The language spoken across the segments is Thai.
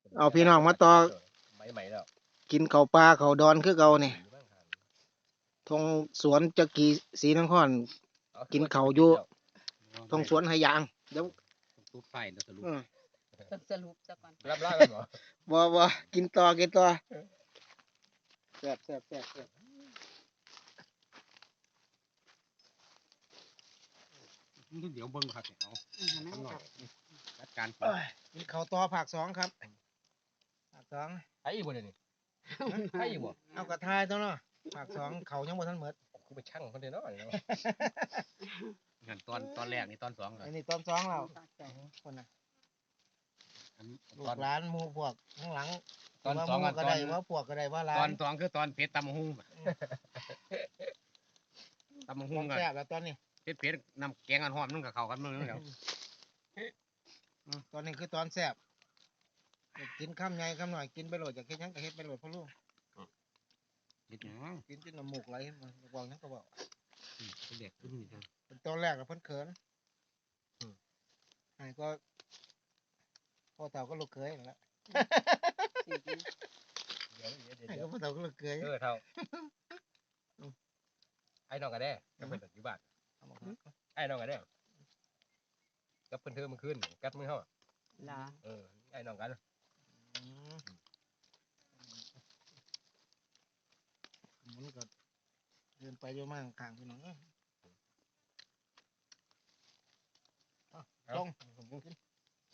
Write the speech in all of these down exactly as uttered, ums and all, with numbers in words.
เอาพี่น้องมาต่อใบใหม่แล้วกินข้าวปลาข้าวดอนคือเก่านี่ทงสวนจักรีศรีนครกินข้าวอยู่ทงสวนไหยางเดี๋ยวตุ๊บไฟแล้วสรุปอืมสรุปซะก่อนรับล่ากันเหรอบ่บ่กินต่อกินต่อแซ่บแซ่บแซ่บแซ่บเดี๋ยวเบิ้งครับเอาอืมข้างนนั่อน กจัดการเอ้ยกินข้าวต่อภาคสองครับภาคสองไอ้อีบ่เดี๋ยวนี้ไอ้อีบ่เอากระทายตัวเนาะภาคสองเขายังบ่ทันหมดคือไปช่างคนเดียวเนาะงั้นตอนตอนแรกนี่ตอนสองอันนี้ตอนสองเราคนน่ะลูกหลานหมู่พวกข้างหลังตอนสองว่าหมู่ก็ตอได้นว่าพวกก็ได้ว่าหลาตอน นสองคือตอนเพชรตำหุ้งตำหุ้งกันแซ่บแล้วตอนนี้เพชรเพชรนำแกงกันหอมนุ่งกับเขากันมือนึงแล้วตอนนี้คือตอนแซ่บกินคำใหญ่คำหน่อยกินไปโหลดจากเฮ็ดหยังก็เฮ็ดไปโหลดพ่อลูกเด็ดหยังกินจนน้ำมูกไหลมาบอกหยังก็บอกเป็นเด็กขึ้นนี่จ้ะเป็นตอนแรกกับเพิ่นเขินไอ้ก็พ่อเต่าก็ลูกเขยนั่นแหละเดี๋ยวเดี๋ยวเดี๋ยวไอ้เดี๋ก็ยวพ่อเต่าก็ลูกเขยเออเท่าไอ้น้องกันแน่กับเพิ่นอยู่บ้านเอามาครับไอ้น้องกันแน่กับเพิ่นเธอมันขึ้นกัดมือเฮาลาเออไอ้น้องกันอืมมันก็เดินไปเยอะมากข้างพี่น้องเอ้ยลงผมกิน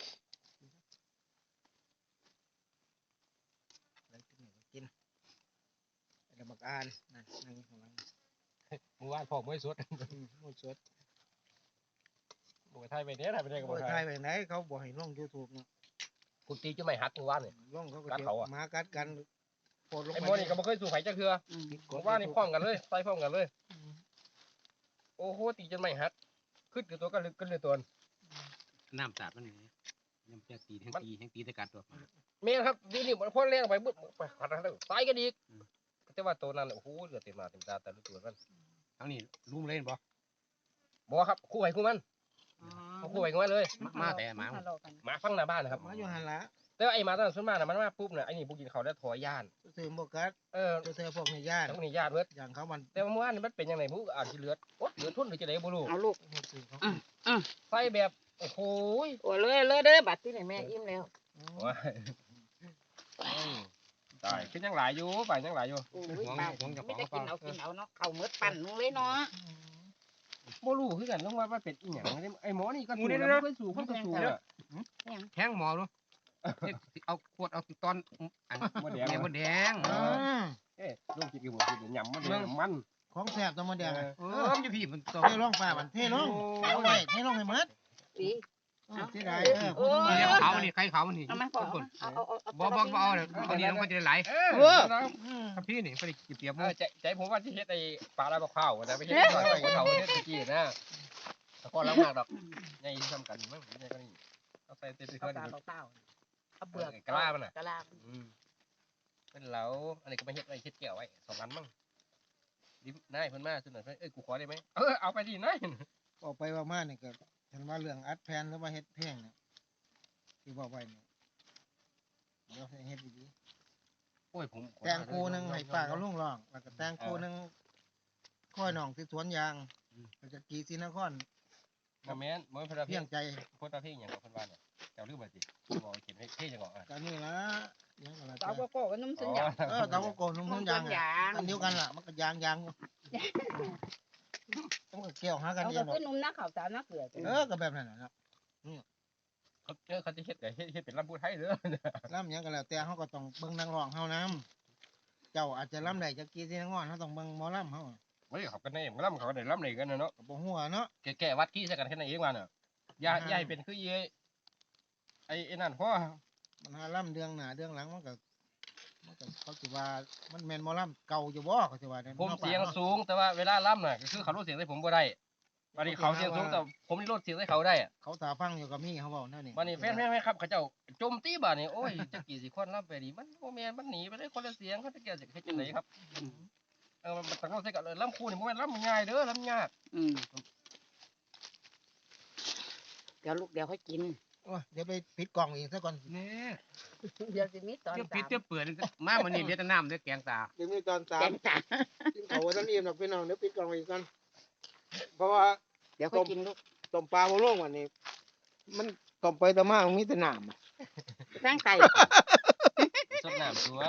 อะไรกินเนี่ยก็กินไอ้บักอานนั่นนั่งอยู่ข้างหลังเมื่อวานพ่อมื้อสดอืมหมดสดบ่ไทยไปเด้อไทยไปได้ก็บ่บ่ไทไทยยไปไหนเขาบอกให้ลง YouTube เนาะกูตีจะไม่หักเมื่อวานนี่ลงเขาก็กัดเจ็บเขาอะหมากัดกันโคตรลงไอ้ไปหมอนี่ก็บ่เคยสู้ไผจักเทื่ออืมเมื่อวานนี่พร้อมกันเลยใส่พร้อมกันเลย โอ้โหตีจนไม่หักขึ้นกับตัวก็ลึกขึ้นเลยตัวน้ำสาดมันนี่น้ำแค่ตีทั้งตีทั้งตีตะกัดตัวเมียครับดีนี่มันพ่นแรงไปบึ้บไปขัดอะไรตายกันอีกแต่ว่าตัวนั้นโอ้โหเหลือเต็มมาเต็มตาแต่ละตัวมันทั้งนี้ลุ่มเล่นบ่บอกครับคู่ไห้คู่มันอ๋อเอาคู่ไห้คู่มันเลยมาแต่หมาทะเลาะกันหมาฟังหน้าบ้านนะครับมาอยู่หันละแต่ว่าไอ้หมาตอนนั้นส่วนมากน่ะมันมาปุ๊บเนี่ยไอ้นี่พวกกินเขาได้ถอยย่านซื้อหมวกกัดเออเสื้อพวกนี้ญาติทั้งนี้ย่านเบิดอย่างเขามันแต่ว่าเมื่อวานนี่มันเป็นยังไงผู้อ่านที่เลือดโอ๊ยเลือดทุ่นหรือจะไหนบ่รู้เอาลูกซื้อเขาใส่แบบโอ้โหโอ้เลยเลยเด้อบัดที่ไหนแม่อิ่มแล้วว้ายตายขึ้นยังหลายอยู่ไปยังหลายอยู่โอ้ยเปล่าไม่ได้กินเอากินเอาเนาะเข้ามืดปั่นนึงเลยเนาะบ่รู้คือกันต้องว่ามันเป็นอีหยังไอ้หมอนี่ก็สู้แล้วบ่เคยสู้คนก็สู้อ่ะแทงหมอดูเอาขวดเอาตอนอันบ่แดงแดงบ่แดงอืมเอ้ยลูกกินกี่บ่กินยำมันแดงมันของแสบตัวมันแดงอะเออมันอยู่พี่มันตเทลงป่ามันเทลงเอาไว้เทลงให้หมดสิเสียดายเออพูดมาเลี้ยงเขานี่ใครเขานี่เอามาก่อนเอาเอาเอาบ่บ่บ่เอาเดี๋ยวเอาดีลงไปจะได้ไหลเออครับพี่นี่ไปเปรียบเอมืออใจใจผมว่าที่เฮ็ดไอ้ปลาลาบข้าวนะไม่ใช่ปลาไก่เขาเฮ็ดตะกี้นะตะกอนล้างมากดอกใหญ่ทำกันมั้งใหญ่ก็นี่เอาใส่เต็มเอาเพิ่นตาเปล่าเอาเปลือกกะลามันน่ะกะลาอืมเป็นเหลาอันนี้ก็ไม่เฮ็ดไว้เฮ็ดแก้วไว้สองอันมั้งดินายเพิ่นมาสุดหน่อยเอ้ยกูขอได้ไหมเออเอาไปดินายออกไปว่ามาเนี่ยก็ฉันว่าเรื่องอัดแผ่นหรือว่าเฮ็ดเพลงเนี่ยที่บอกไว้เนี่ยเดี๋ยวให้เฮ็ดดีโอ้ยผมๆแต่งคู่หนึงให้ป้ากับลุงร้องแล้วก็แต่งคู่หนึงค่อยน้องที่สวนยางก็จะกีศรีนครบ่แม่นบ่แม่นเพิ่นว่าเพีเพียยงงใจเพิ่นว่าเพียงหยังเพิ่นว่าเนี่ยเจ้าลืมบ่สิบอกเขียนให้เพียงหยังก่อนก็นี่ละยังก็ละเตาจ้ะโกโก้กับนุ่มสัญญาเออเตาโกโก้นุ่มๆยางอะอันเดียวกันล่ะมันก็ยางยางอยู่ต้องก็เกี่ยวหากันเอาเอก็งหรอกคือนุ่มนะข้าวสารนะเกลือเออก็แบบนั้นน่ะเนาะเขาเออเขาจะเฮ็ดแต่เฮ็ดเฮ็ดเป็นลำพูไทยเด้อล่ำหยังก็แล้วแต่เขาก็ต้องเบิ่งนักร้องเฮานํเจ้าอาจจะล่ำได้จักกี่สินักร้องเฮาต้องเบิ่งหมอล่ำเฮาเฮ้ยเขาก็ได้มันลำเขาก็ได้ลำได้กันนะเนาะก็บ่ฮู้อะเนาะแก่ๆวัดขี้ใส่กันแค่นั้นเองว่าน่ะอย่าอย่าให้เป็นคือเยไอ้ไอ้นั่นเพราะมันหาล่ำเดืองหน้าเดืองหลังมันก็มันก็เขาสิว่ามันแม่นหมอล่ำเก่าอยู่บ่เขาสิว่าได้ผมเสียงสูงแต่ว่าเวลาล่ำน่ะก็คือเขาลดเสียงใส่ผมบ่ได้วันนี้เขาเสียงสูงแต่ผมนี่ลดเสียงใส่เขาได้อะเขาตาฟังอยู่กับมีเขาเว้านั่นนี่วันนี้แฟนแฟนครับเขาเจ้าโจมตีบ่านี่โอ้ยจะกี่สิคนล่ำไปดีมันโมแมนมันหนีไปได้คนละเสียงเขาจะแก่จะเฮ็ดจังไดครับเออมันต้องลดใส่กันเลยล่ำคู่นี่บ่แม่นล่ำง่ายเด้อล่ำยากอืมเดี๋ยวลูกเดี๋ยวค่อยกินเออ้ยเดี๋ยวไปปิดกล่องอีกซะก่อนนี่เดี๋ยวสิมีตอนเดี๋ยวสาปิดมเดี๋ยวเปิดมาวันนี้เดี๋ยวจะน้ำเดี๋ยวแกงตาเดี๋ยวมีตอนสาแกมงสามกินเขาวันนั้นอิ่มหรอกพี่น้องเดี๋ยวปิดกล่องอีกก่อนเพราะว่าเดี๋ยวค่อยกินลูกต้มปลาโมโล่งวันนี้ มันต้มไปแต่มามันมีแต่น้ำทั้งไก่สดน้ำตัว